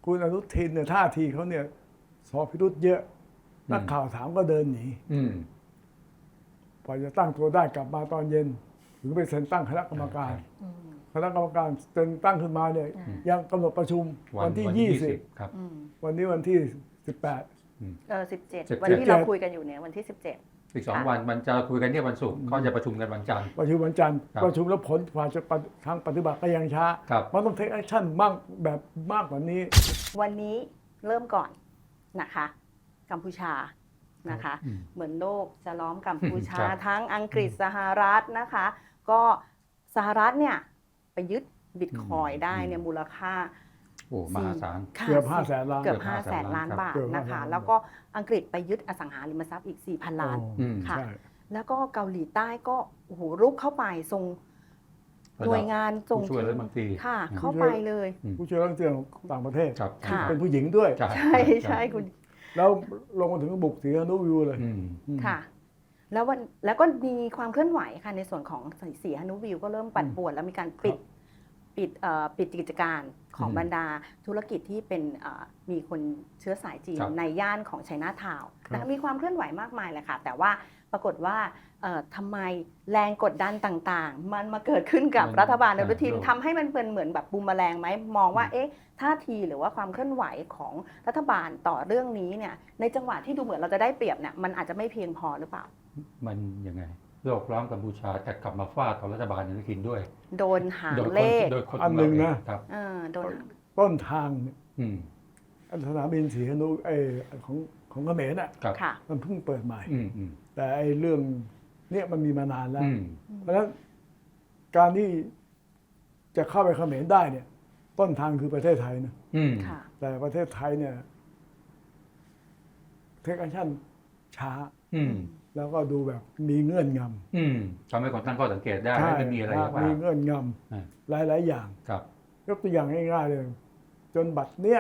คุณอนุทินเนี่ยท่าทีเขาเนี่ยสอบพิรุธเยอะนักข่าวถามก็เดินหนีพอจะตั้งตัวได้กลับมาตอนเย็นถึงไปเซ็นตั้งคณะกรรมการคณะกรรมการเซ็นตั้งขึ้นมาเนี่ยยังกำหนดประชุมวันที่20 ครับวันนี้วันที่ 17วันที่เราคุยกันอยู่เนี่ยวันที่17 อีก2 วันมันจะคุยกันที่วันศุกร์เขาจะประชุมกันวันจันทร์ประชุมวันจันทร์ประชุมแล้วผลกว่าจะทางปฏิบัติก็ยังช้ามันต้องเทคแอคชั่นมากกว่านี้วันนี้เริ่มก่อนนะคะกัมพูชานะคะเหมือนโลกจะล้อมกัมพูชาทั้งอังกฤษสหรัฐนะคะก็สหรัฐเนี่ยไปยึดบิตคอยน์ได้เนี่ยมูลค่ามหาศาลเกือบ500,000 ล้านเกือบ500,000 ล้านบาทนะคะแล้วก็อังกฤษไปยึดอสังหาริมทรัพย์อีก 4,000 ล้านค่ะแล้วก็เกาหลีใต้ก็โอ้โหรุกเข้าไปส่งหน่วยงานส่งช่วยรัฐมนตรีค่ะเข้าไปเลยผู้ช่วยรัฐมนตรีต่างประเทศค่ะเป็นผู้หญิงด้วยใช่คุณแล้วลงมาถึงบุกสีหนุวิวเลยค่ะแล้วก็มีความเคลื่อนไหวค่ะในส่วนของสีหนุวิวก็เริ่มปั่นป่วนแล้วมีการปิดกิจการของบรรดาธุรกิจที่เป็นมีคนเชื้อสายจีนในย่านของไชน่าทาวน์นะคะมีความเคลื่อนไหวมากมายเลยค่ะแต่ว่าปรากฏว่าทำไมแรงกดดันต่างๆมันมาเกิดขึ้นกับรัฐบาลอนุทินทำให้มันเป็นเหมือนแบบบูมแมลงไหมมองว่าท่าทีหรือว่าความเคลื่อนไหวของรัฐบาลต่อเรื่องนี้เนี่ยในจังหวะที่ดูเหมือนเราจะได้เปรียบเนี่ยมันอาจจะไม่เพียงพอหรือเปล่ามันยังไงโลกล้อมกัมพูชาแต่กลับมาฟาดต่อรัฐบาลอนุทินด้วยโดนหางเลขอันหนึ่งนะครับโดนต้นทางสนามบินสีหนุของเขมรน่ะมันเพิ่งเปิดใหม่แต่ไอ้เรื่องเนี่ยมันมีมานานแล้วเพราะฉะนั้นการที่จะเข้าไปเขมรได้เนี่ยต้นทางคือประเทศไทยนะแต่ประเทศไทยเนี่ยเทคแอคชั่นช้าแล้วก็ดูแบบมีเงื่อนงำทำให้คนตั้งข้อสังเกตได้ไม่มีอะไรมีเงื่อนงำหลายอย่างยกตัวอย่างง่ายๆเลยจนบัดเนี้ย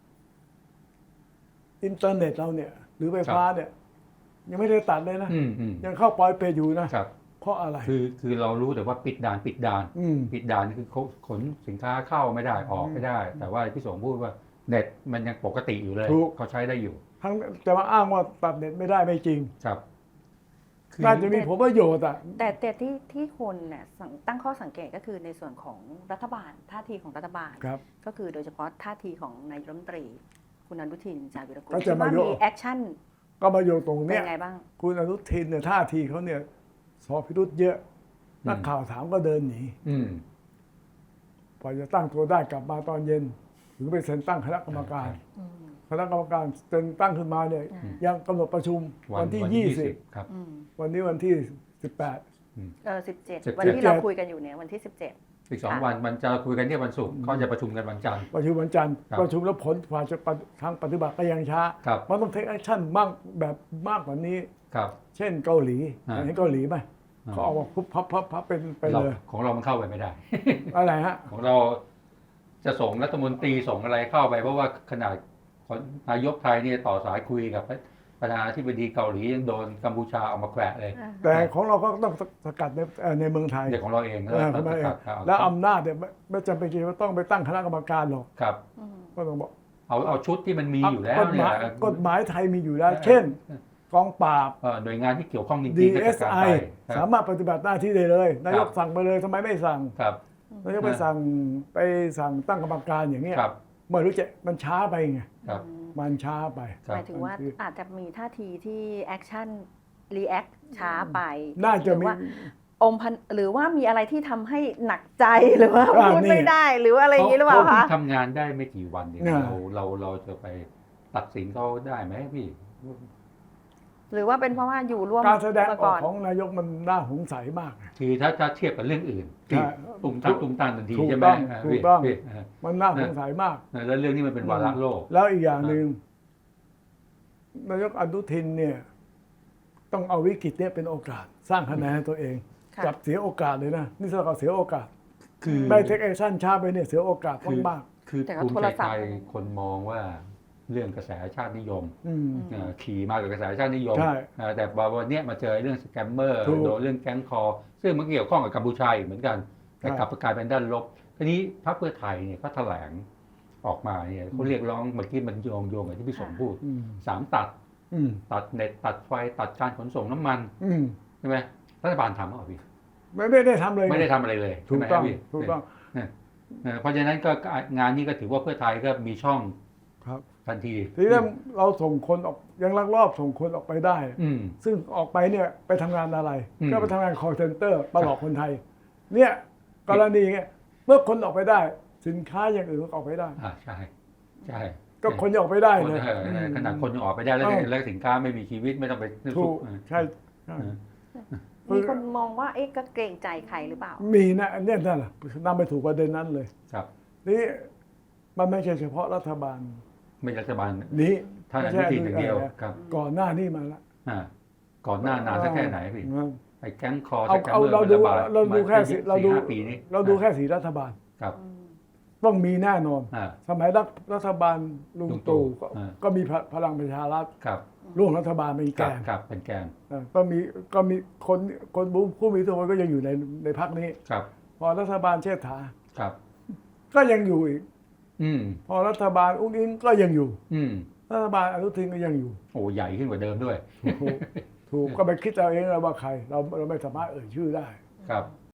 อินเทอร์เน็ตเราเนี่ยหรือไฟฟ้าเนี่ยยังไม่ได้ตัดเลยนะยังเข้าปล่อยเปอยู่นะเพราะอะไรคือเรารู้แต่ว่าปิดด่านปิดด่านคือขนสินค้าเข้าไม่ได้ออกไม่ได้แต่ว่าพี่สงพูดว่าเน็ตมันยังปกติอยู่เลยเขาใช้ได้อยู่ทั้งแต่ว่าอ้างว่าตัดเน็ตไม่ได้ไม่จริงครับน่าจะมีผลประโยชน์แต่ที่คนเนี่ยตั้งข้อสังเกตก็คือในส่วนของรัฐบาลท่าทีของรัฐบาลก็คือโดยเฉพาะท่าทีของนายกรัฐมนตรีคุณอนุทินชาญวิรากูลที่ว่ามีแอคชั่นก็มาโยงตรงเนี้ยไงบ้างคุณอนุทินเนี่ยท่าทีเขาเนี่ยสอบพิรุธเยอะนักข่าวถามก็เดินหนีพอจะตั้งตัวได้กลับมาตอนเย็นถึงไปเซ็นตั้งคณะกรรมการคณะกรรมการเซ็นตั้งขึ้นมาเนี่ยยังกำหนดประชุมวันที่20 ครับวันนี้วันที่ 17วันที่เราคุยกันอยู่เนี่ยวันที่17 อีก2 วันมันจะคุยกันที่วันศุกร์เขาจะประชุมกันวันจันทร์ประชุมวันจันทร์ประชุมแล้วผลกว่าจะทางปฏิบัติก็ยังช้ามันต้องเทคแอคชั่นมากกว่านี้เช่นเกาหลีเห็นเกาหลีไหมเขาเอาพุบพับเป็นไปเลยของเรามันเข้าไปไม่ได้อะไรฮะของเราจะส่งรัฐมนตรีส่งอะไรเข้าไปเพราะว่าขนาดนายกไทยเนี่ยต่อสายคุยกับประธานาธิบดีเกาหลียังโดนกัมพูชาเอามาแขวะเลยแต่ของเราก็ต้องสกัดในเมืองไทยเด็กของเราเองแล้วอำนาจเนี่ยไม่จำเป็นว่าต้องไปตั้งคณะกรรมการหรอกครับก็ต้องบอกเอาชุดที่มันมีอยู่แล้วกฎหมายไทยมีอยู่แล้วเช่นกองปราบหน่วยงานที่เกี่ยวข้องจริงๆ DSI สามารถปฏิบัติหน้าที่ได้เลยนายกสั่งไปเลยทำไมไม่สั่งนายกไปสั่งตั้งกรรมการอย่างเงี้ยเมื่อรู้จะมันช้าไปไงมันช้าไปหมายถึงว่าอาจจะมีท่าทีที่แอคชั่นรีแอคช้าไปน่าจะมีหรือว่ามีอะไรที่ทำให้หนักใจหรือว่าพูดไม่ได้หรือว่าอะไรอย่างนี้หรือเปล่าคะทำงานได้ไม่กี่วันเองเราจะไปตัดสินเขาได้ไหมพี่หรือว่าเป็นเพราะว่าอยู่ร่วมการแสดงออกของนายกมันน่าสงสัยมากคือถ้าเทียบกับเรื่องอื่นตุ่มตามทันทีใช่ไหมถูกต้องมันน่าสงสัยมากแล้วเรื่องนี้มันเป็นวาระโลกแล้วอีกอย่างหนึ่งนายกอนุทินเนี่ยต้องเอาวิกฤตเนี่ยเป็นโอกาสสร้างคะแนนให้ตัวเองจับเสียโอกาสเลยนะนี่เราเสียโอกาสคือได้เทคแอคชั่นช้าไปเนี่ยเสียโอกาสมากคือภูมิใจไทยคนมองว่าเรื่องกระแสชาตินิยมขี่มากับกระแสชาตินิยมแต่วันนี้มาเจอเรื่องสแกมเมอร์โดนเรื่องแก๊งคอซึ่งมันเกี่ยวข้องกับกัมพูชาอีกเหมือนกันแต่กลับกลายเป็นด้านลบทีนี้พรรคเพื่อไทยเนี่ยเขาแถลงออกมาเนี่ยเขาเรียกร้องเมื่อกี้มันโยงกับที่พี่สมพูด3 ตัดตัดเน็ตตัดไฟตัดการขนส่งน้ำมันใช่ไหมรัฐบาลทำหรือเปล่าพี่ไม่ได้ทำเลยไม่ได้ทำอะไรเลยถูกต้องถูกต้องเพราะฉะนั้นก็งานนี้ก็ถือว่าเพื่อไทยก็มีช่องทันทีทีนี้เราส่งคนออกยังลักลอบส่งคนออกไปได้ซึ่งออกไปเนี่ยไปทำงานอะไรก็ไปทำงาน call center มาหลอกคนไทยเนี่ยกรณีเงี้ยเมื่อคนออกไปได้สินค้าอย่างอื่นก็ออกไปได้ใช่ใช่ก็คนยังออกไปได้เลยขนาดคนยังออกไปได้แล้วสินค้าไม่มีชีวิตไม่ต้องไปถูกใช่มีคนมองว่าก็เกรงใจใครหรือเปล่ามีนะเนี่ยนั่นแหละนำไปถูกประเด็นนั้นเลยครับนี่มันไม่ใช่เฉพาะรัฐบาลไม่รัฐบาลนี้ท่านอนุทินอย่างเดียวครับก่อนหน้านี้มาแล้วก่อนหน้านานสักแค่ไหนพี่ไอ้แก๊งคอสแกมเมอร์เราดูแค่เราดูแค่สีรัฐบาลครับต้องมีแน่นอนสมัยรัฐบาลลุงตู่ก็มีพลังประชารัฐร่วมรัฐบาลเป็นแกนเป็นแกนก็มีคนผู้มีอิทธิพลก็ยังอยู่ในพรรคนี้พอรัฐบาลเชษฐาก็ยังอยู่อีกพอรัฐบาลอุ้งอิงก็ยังอยู่รัฐบาลอนุทินก็ยังอยู่โอ้ใหญ่ขึ้นกว่าเดิมด้วยถูกก็ไปคิดเอาเองว่าใครเราไม่สามารถเอ่ยชื่อได้ครับ